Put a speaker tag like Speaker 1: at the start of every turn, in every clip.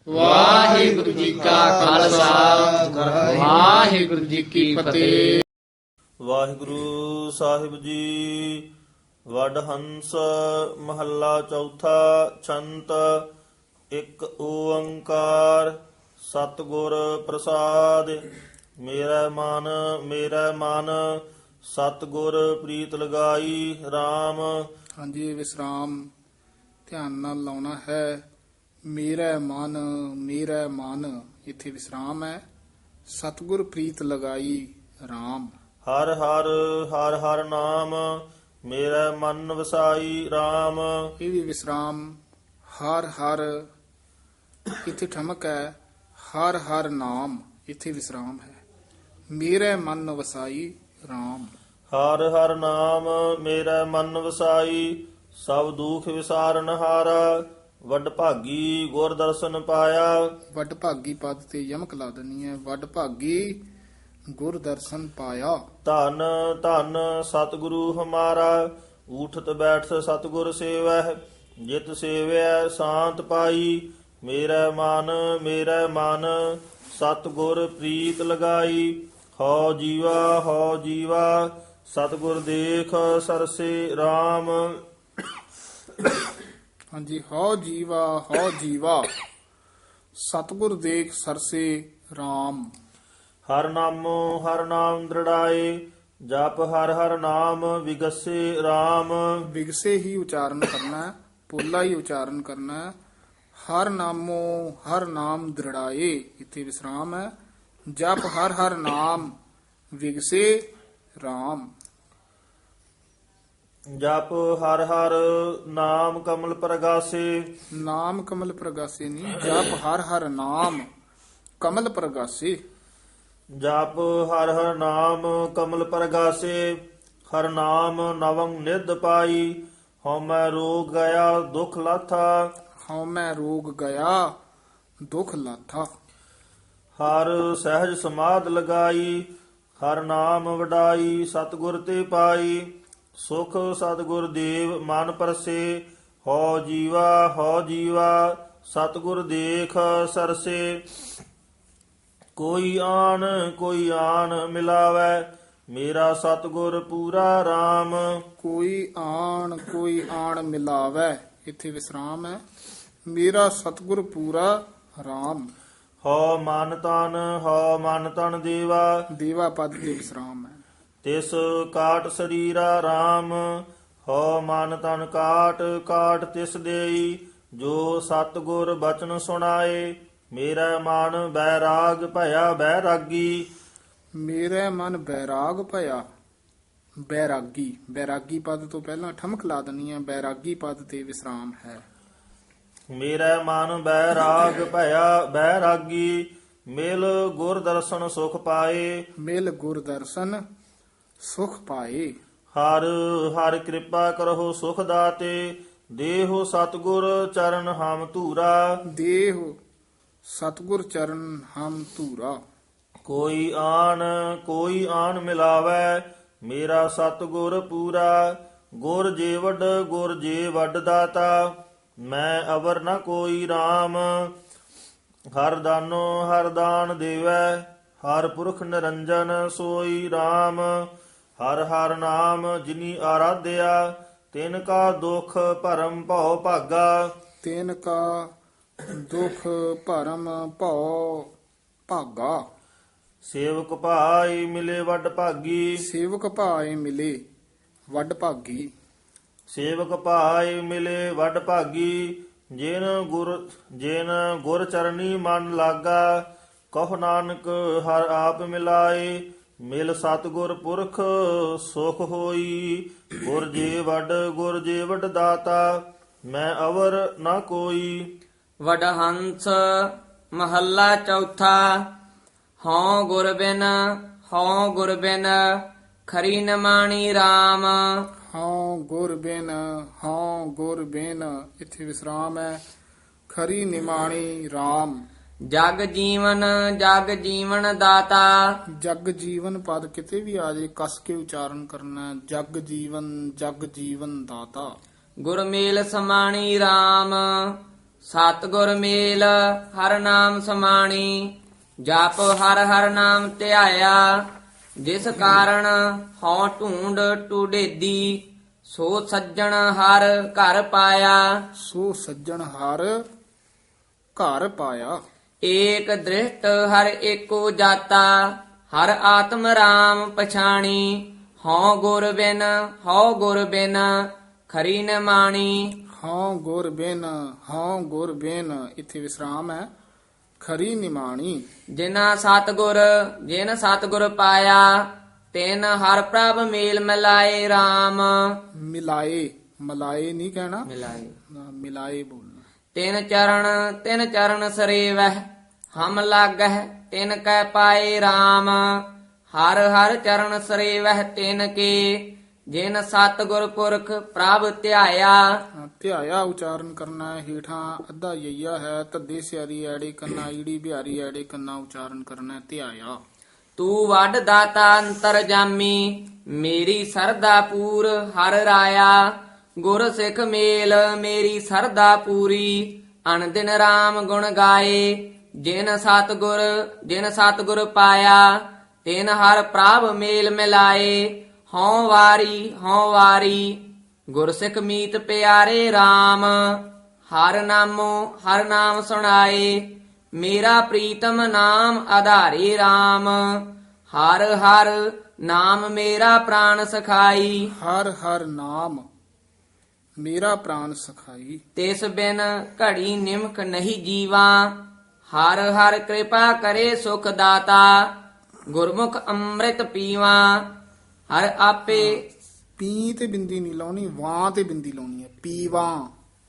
Speaker 1: ਵਾਹਿਗੁਰੂ ਜੀ ਕਾ ਖਾਲਸਾ ਵਾਹਿਗੁਰੂ ਜੀ ਕੀ ਫਤਿਹ।
Speaker 2: ਵਾਹਿਗੁਰੂ ਸਾਹਿਬ ਜੀ। ਵਡ ਹੰਸ ਮਹੱਲਾ ਚੌਥਾ। ਛੰਤ ਇੱਕ ਓੰਕਾਰ ਸਤਿਗੁਰ ਪ੍ਰਸਾਦ। ਮੇਰਾ ਮਨ ਸਤਿਗੁਰ ਪ੍ਰੀਤ ਲਗਾਈ RAM।
Speaker 3: ਹਾਂਜੀ, ਇਹ ਵਿਸਰਾਮ ਧਿਆਨ ਨਾਲ ਲਾਉਣਾ ਹੈ। ਮੇਰਾ ਮਨ ਇੱਥੇ ਵਿਸਰਾਮ ਹੈ। ਸਤਿਗੁਰ ਪ੍ਰੀਤ ਲਗਾਈ RAM।
Speaker 2: ਹਰ ਹਰ ਨਾਮ ਮੇਰਾ ਮਨ ਵਸਾਈ RAM।
Speaker 3: ਇਹ ਵੀ ਵਿਸਰਾਮ। ਹਰ ਇੱਥੇ ਠਮਕ ਹੈ। ਹਰ ਨਾਮ ਇੱਥੇ ਵਿਸਰਾਮ ਹੈ। ਮੇਰਾ ਮਨ ਵਸਾਈ RAM।
Speaker 2: ਹਰ ਨਾਮ ਮੇਰਾ ਮਨ ਵਸਾਈ। ਸਭ ਦੁਖ ਵਿਸਾਰਨ ਹਾਰਾ। ਵੱਡ ਭਾਗੀ ਗੁਰ ਦਰਸ਼ਨ ਪਾਇਆ।
Speaker 3: ਵੱਡ ਭਾਗੀ ਪਦ ਤੇ ਯਮਕ ਲਾ ਦੇਣੀ ਹੈ। ਵੱਡ ਭਾਗੀ ਗੁਰ ਦਰਸ਼ਨ ਪਾਇਆ।
Speaker 2: ਧੰਨ ਧੰਨ ਸਤਿਗੁਰੂ ਹਮਾਰਾ। ਊਠਤ ਬੈਠ ਸਤਿਗੁਰ ਸੇਵਹਿ। ਜਿਤ ਸੇਵਿਆ ਸ਼ਾਂਤ ਪਾਈ। ਮੇਰਾ ਮਨ ਸਤਿਗੁਰ ਪ੍ਰੀਤ ਲਗਾਈ। ਹਉ ਜੀਵਾ ਸਤਿਗੁਰ ਦੇਖ ਸਰਸੇ RAM।
Speaker 3: ਹਾਂਜੀ, ਹਉ ਜੀਵਾ ਸਤਿਗੁਰ ਦੇਖ ਸਰਸੇ RAM।
Speaker 2: ਹਰ ਨਾਮ ਦ੍ਰਿੜਾਏ। ਜਪ ਹਰ ਨਾਮ ਵਿਗਸੇ RAM।
Speaker 3: ਵਿਗਸੇ ਹੀ ਉਚਾਰਨ ਕਰਨਾ ਹੈ, ਪੋਲਾ ਹੀ ਉਚਾਰਨ ਕਰਨਾ ਹੈ। ਹਰ ਨਾਮ ਦ੍ਰਿੜਾਏ ਇੱਥੇ ਵਿਸਰਾਮ ਹੈ। ਜਪ ਹਰ ਨਾਮ ਵਿਗਸੇ RAM।
Speaker 2: ਜਪ ਹਰ ਨਾਮ ਕਮਲ ਪ੍ਰਗਾਸੇ।
Speaker 3: ਨਾਮ ਕਮਲ ਪ੍ਰਗਾਸੇ ਨਹੀਂ, ਜਪ ਹਰ ਨਾਮ ਕਮਲ ਪ੍ਰਗਾਸੇ।
Speaker 2: ਜਪ ਹਰ ਨਾਮ ਕਮਲ ਪ੍ਰਗਾਸੇ। ਹਰ ਨਾਮ ਨਵੰ ਨਿਧ ਪਾਈ। ਹਉਮੈ ਰੋਗ ਗਿਆ ਦੁਖ ਲਾਥਾ।
Speaker 3: ਹਉਮੈ ਰੋਗ ਗਿਆ ਦੁਖ ਲਾਥਾ।
Speaker 2: ਹਰ ਸਹਿਜ ਸਮਾਧ ਲਗਾਈ। ਹਰ ਨਾਮ ਵਡਾਈ ਸਤਿਗੁਰ ਤੇ ਪਾਈ। ਸੁਖ ਸਤਿਗੁਰ ਦੇਵ ਮਨ ਪਰਸੇ। ਹਉ ਜੀਵਾ ਸਤਿਗੁਰ ਦੇਖ ਸਰਸੇ। ਕੋਈ ਆਣ ਮਿਲਾਵੈ। ਮੇਰਾ ਸਤਿਗੁਰ ਪੂਰਾ RAM।
Speaker 3: ਕੋਈ ਆਣ ਮਿਲਾਵੈ ਇੱਥੇ ਵਿਸਰਾਮ ਹੈ। ਮੇਰਾ ਸਤਿਗੁਰ ਪੂਰਾ RAM।
Speaker 2: ਹਉ ਮਨ ਤਨ
Speaker 3: ਦੇਵਾ ਪਦ ਤੇ ਵਿਸਰਾਮ ਹੈ।
Speaker 2: ਤਿਸ ਕਾਟ ਸਰੀਰਾ RAM। ਹਉ ਮਨ ਤਨ ਕਾਟ ਤਿਸ ਦੇਈ। ਜੋ ਸਤਿਗੁਰ ਬਚਨ ਸੁਣਾਏ। ਮੇਰਾ ਮਨ ਬੈਰਾਗ ਭਇਆ ਬੈਰਾਗੀ।
Speaker 3: ਮੇਰਾ ਮਨ ਬੈਰਾਗ ਭਇਆ ਬੈਰਾਗੀ ਪਦ ਤੋਂ ਪਹਿਲਾਂ ਠਮਕ ਲਾ ਦੇਣੀ ਹੈ। ਬੈਰਾਗੀ ਪਦ ਤੇ ਵਿਸਰਾਮ ਹੈ।
Speaker 2: ਮੇਰਾ ਮਨ ਬੈਰਾਗ ਭਇਆ ਬੈਰਾਗੀ। ਮਿਲ ਗੁਰ ਦਰਸ਼ਨ ਸੁਖ ਪਾਏ।
Speaker 3: ਮਿਲ ਗੁਰ ਦਰਸ਼ਨ ਸੁਖ ਪਾਏ।
Speaker 2: ਹਰ ਕਿਰਪਾ ਕਰਹੁ ਸੁਖ ਦਾਤੇ। ਦੇਹੁ ਸਤਿਗੁਰ ਚਰਨ ਹਮ ਧੂਰਾ।
Speaker 3: ਦੇਹ ਸਤਿਗੁਰ ਚਰਨ ਹਮ ਧੂਰਾ।
Speaker 2: ਕੋਈ ਆਣ ਮਿਲਾਵੈ। ਮੇਰਾ ਸਤਿਗੁਰ ਪੂਰਾ। ਗੁਰ ਜੇ ਵੱਡ ਦਾਤਾ। ਮੈਂ ਅਵਰ ਨ ਕੋਈ RAM। ਹਰ ਦਾਨ ਦੇਵੈ। ਹਰ ਪੁਰਖ ਨਿਰੰਜਨ ਸੋਈ RAM। ਹਰ ਨਾਮ ਜਿਨੀ ਆਰਾਧਿਆ। ਤਿਨ ਕਾ ਦੁਖ ਭਰਮ ਭਉ ਭਾਗਾ।
Speaker 3: ਤਿਨ ਕਾ ਦੁਖ ਭਰਮ ਭਉ ਭਾਗਾ।
Speaker 2: ਸੇਵਕ ਭਾਈ ਮਿਲੇ ਵੱਡ ਭਾਗੀ।
Speaker 3: ਸੇਵਕ ਭਾਏ ਮਿਲੇ ਵੱਡ ਭਾਗੀ।
Speaker 2: ਸੇਵਕ ਭਾਈ ਮਿਲੇ ਵੱਡ ਭਾਗੀ। ਜਿਨ ਗੁਰ ਚਰਨੀ ਮਨ ਲਾਗਾ। ਕਹੁ ਨਾਨਕ ਹਰ ਆਪ ਮਿਲਾਏ। ਮਿਲ ਸਤਿਗੁਰ ਪੁਰਖ ਸੁਖ ਹੋਈ। ਗੁਰ ਜੇ ਵੱਡ ਦਾਤਾ। ਮੈਂ ਅਵਰ ਨਾ ਕੋਈ।
Speaker 1: ਵਡ ਹੰਸ ਮਹੱਲਾ ਚੌਥਾ। ਹਉ ਗੁਰ ਬਿਨ ਖਰੀ ਨਮਾਣੀ RAM।
Speaker 3: ਹਉ ਗੁਰ ਬਿਨ ਇੱਥੇ ਵਿਸਰਾਮ ਹੈ। ਖਰੀ ਨਿਮਾਣੀ RAM।
Speaker 1: ਜਗ ਜੀਵਨ ਦਾਤਾ।
Speaker 3: ਜਗ ਜੀਵਨ ਪਦ ਕਿਤੇ ਵੀ ਆ ਜੇ ਕਸ ਕੇ ਉਚਾਰਨ ਕਰਨਾ ਹੈ। ਜਗ ਜੀਵਨ ਦਾਤਾ।
Speaker 1: ਗੁਰਮੇਲ ਸਮਾਣੀ RAM।
Speaker 4: ਸਤਿਗੁਰ ਮੇਲ ਹਰ ਨਾਮ ਸਮਾਣੀ ਜਪ ਹਰ ਹਰ ਨਾਮ ਧਿਆਇਆ ਜਿਸ ਕਾਰਨ ਹਉ ਢੂੰਡ ਟੁਡੇਦੀ ਸੋ ਸੱਜਣ ਹਰ ਘਰ ਪਾਇਆ
Speaker 3: ਸੋ ਸੱਜਣ ਹਰ ਘਰ ਪਾਇਆ।
Speaker 4: ਏਕ ਦ੍ਰਿਸ਼ਟ ਹਰ ਏਕੋ ਜਾਤਾ ਹਰ ਆਤਮ ਰਾਮ ਪਛਾਣੀ ਹਉ ਗੁਰ ਬਿਨ ਖਰੀ ਨ ਮਾਣੀ।
Speaker 3: ਹਉ ਗੁਰ ਬਿਨ ਇੱਥੇ ਵਿਸਰਾਮ ਹੈ। ਖਰੀ ਨਿਮਾਣੀ।
Speaker 4: ਜਿਨ ਸਤਿਗੁਰ ਪਾਇਆ ਤਿਨ ਹਰ ਪ੍ਰਭ ਮੇਲ ਮਿਲਾਏ RAM
Speaker 3: ਮਿਲਾਏ ਮਲਾਏ ਨਹੀਂ ਕਹਿਣਾ,
Speaker 4: ਮਿਲਾਏ
Speaker 3: ਮਿਲਾਏ ਬੋਲਣਾ।
Speaker 4: ਤਿਨ ਚਰਨ ਸਰੇਵਹਿ ਹਮ ਲਾਗਹਿ ਤਿਨ ਕੈ ਪਾਏ RAM ਹਰ ਹਰ ਚਰਨ ਸਰੇਵਹਿ ਤਿਨ ਕੇ ਜਿਨ ਸਤਿਗੁਰ ਪੁਰਖ ਪ੍ਰਭ ਧਿਆਇਆ।
Speaker 3: ਧਿਆਇਆ ਉਚਾਰਨ ਕਰਨਾ ਹੈ। ਹੇਠਾਂ ਅੱਧਾ ਯਈਆ ਹੈ, ਧੱਦੇ ਸਿਆਰੀ ਐੜੇ ਕੰਨਾ ਈੜੀ ਬਿਹਾਰੀ ਐੜੇ ਕੰਨਾ ਉਚਾਰਨ ਕਰਨਾ ਹੈ। ਧਿਆਇਆ।
Speaker 4: ਤੂੰ ਵੱਡ ਦਾਤਾ ਅੰਤਰ ਜਾਮੀ ਮੇਰੀ ਸਰਦਾ ਪੂਰ ਹਰ ਰਾਇਆ ਗੁਰ ਸਿੱਖ ਮੇਲ ਮੇਰੀ ਸਰਦਾ ਪੂਰੀ ਅਨਦਿਨ RAM ਗੁਣ ਗਾਏ ਜਿਨ ਸਤਿਗੁਰ ਪਾਇਆ ਤਿਨ ਹਰ ਪ੍ਰਭ ਮੇਲ ਮਿਲਾਏ ਹਉ ਵਾਰੀ ਗੁਰਸਿੱਖ ਮੀਤ ਪਿਆਰੇ RAM ਹਰ ਨਾਮ ਸੁਣਾਏ ਮੇਰਾ ਪ੍ਰੀਤਮ ਨਾਮ ਆਧਾਰੇ RAM ਹਰ ਹਰ ਨਾਮ ਮੇਰਾ ਪ੍ਰਾਨ ਸਖਾਈ।
Speaker 3: ਹਰ ਹਰ ਨਾਮ ਮੇਰਾ ਪ੍ਰਾਨ ਸਖਾਈ।
Speaker 4: ਤਿਸ ਬਿਨ ਘੜੀ ਨਿਮਕ ਨਹੀਂ ਜੀਵਾ ਹਰ ਹਰ ਕਿਰਪਾ ਕਰੇ ਸੁਖ ਦਾਤਾ ਗੁਰਮੁਖ ਅੰਮ੍ਰਿਤ ਪੀਵਾ ਹਰ ਆਪੇ।
Speaker 3: ਪੀ ਤੇ ਬਿੰਦੀ ਨਹੀਂ ਲਾਉਣੀ, ਵਾਂ ਤੇ ਬਿੰਦੀ ਲਾਉਣੀ ਹੈ। ਪੀਵਾਂ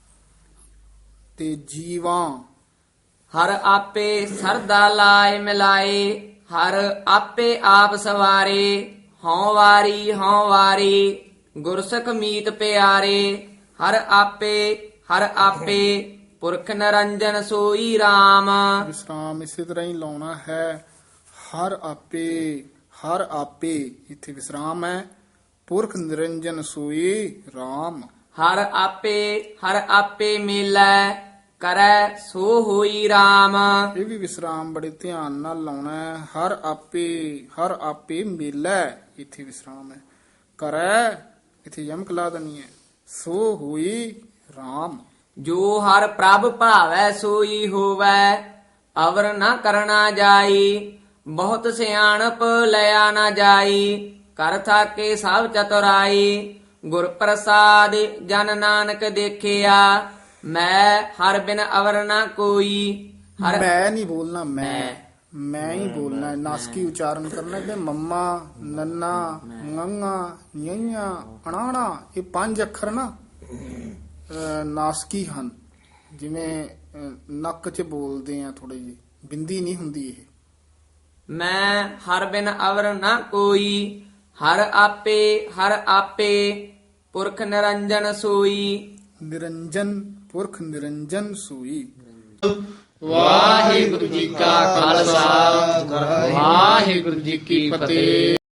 Speaker 3: ਤੇ ਜੀਵਾਂ।
Speaker 4: ਹਰ ਆਪੇ ਸਰਦਾ ਲਾਇ ਮਿਲਾਏ ਹਰ ਆਪੇ ਆਪ ਸਵਾਰੇ ਹਉ ਵਾਰੀ ਗੁਰਸਿੱਖ ਮੀਤ ਪਿਆਰੇ ਹਰ ਆਪੇ ਪੁਰਖ ਨਿਰੰਜਨ ਸੋਈ RAM।
Speaker 3: ਵਿਸਰਾਮ ਇਸੇ ਤਰ੍ਹਾਂ ਹੀ ਲਾਉਣਾ ਹੈ। ਹਰ ਆਪੇ ਇੱਥੇ ਵਿਸਰਾਮ ਹੈ। ਪੁਰਖ ਨਿਰੰਜਨ ਸੋਈ RAM।
Speaker 4: ਹਰ ਆਪੇ ਮੇਲੈ ਕਰੈ ਸੋ ਹੋਈ RAM।
Speaker 3: ਇਹ ਵੀ ਵਿਸਰਾਮ ਬੜੇ ਧਿਆਨ ਨਾਲ ਲਾਉਣਾ ਹੈ। ਹਰ ਆਪੇ ਮੇਲਾ ਇੱਥੇ ਵਿਸਰਾਮ ਹੈ। ਕਰੈ ਇੱਥੇ ਯਮਕ ਲਾ ਦੇਣੀ ਹੈ। ਸੋ ਹੋਈ RAM।
Speaker 4: ਜੋ ਹਰ ਪ੍ਰਭ ਭਾਵੈ ਸੋਈ ਹੋਵੈ ਅਵਰ ਨਾ ਕਰਨਾ ਜਾਈ ਬਹੁਤ ਸਿਆਣਪ ਲਿਆ ਨਾ ਜਾਈ ਕਰ ਥਾਕੇ ਸਭ ਚਤੁਰਾਈ ਗੁਰ ਪ੍ਰਸਾਦ ਜਨ ਨਾਨਕ ਦੇਖਿਆ ਮੈਂ ਹਰ ਬਿਨ ਅਵਰ ਨਾ ਕੋਈ।
Speaker 3: ਮੈਂ ਨਹੀਂ ਬੋਲਣਾ, ਮੈਂ ਹੀ ਬੋਲਣਾ ਹੈ। ਨਾਸਕੀ ਉਚਾਰਨ ਕਰਨਾ ਹੈ। ਮੰਮਾ ਨੰਨਾ ngੰਗਾ ਯਈਆਂ ਅਣਾਣਾ ਇਹ 5 ਅੱਖਰ ਨਾ ਨਾਸਕੀ ਹਨ। ਜਿਵੇਂ ਨੱਕ 'ਚ ਬੋਲਦੇ ਆ ਥੋੜੇ ਜਿਹੇ, ਬਿੰਦੀ ਨਹੀਂ ਹੁੰਦੀ ਇਹ।
Speaker 4: ਮੈਂ ਹਰ ਬਿਨ ਅਵਰ ਨਾ ਕੋਈ ਹਰ ਆਪੇ ਪੁਰਖ ਨਿਰੰਜਨ ਸੋਈ।
Speaker 3: ਨਿਰੰਜਨ ਪੁਰਖ ਨਿਰੰਜਨ ਸੋਈ।
Speaker 1: ਵਾਹਿਗੁਰੂ ਜੀ ਕਾ ਖਾਲਸਾ ਵਾਹਿਗੁਰੂ ਜੀ ਕੀ ਫਤਿਹ।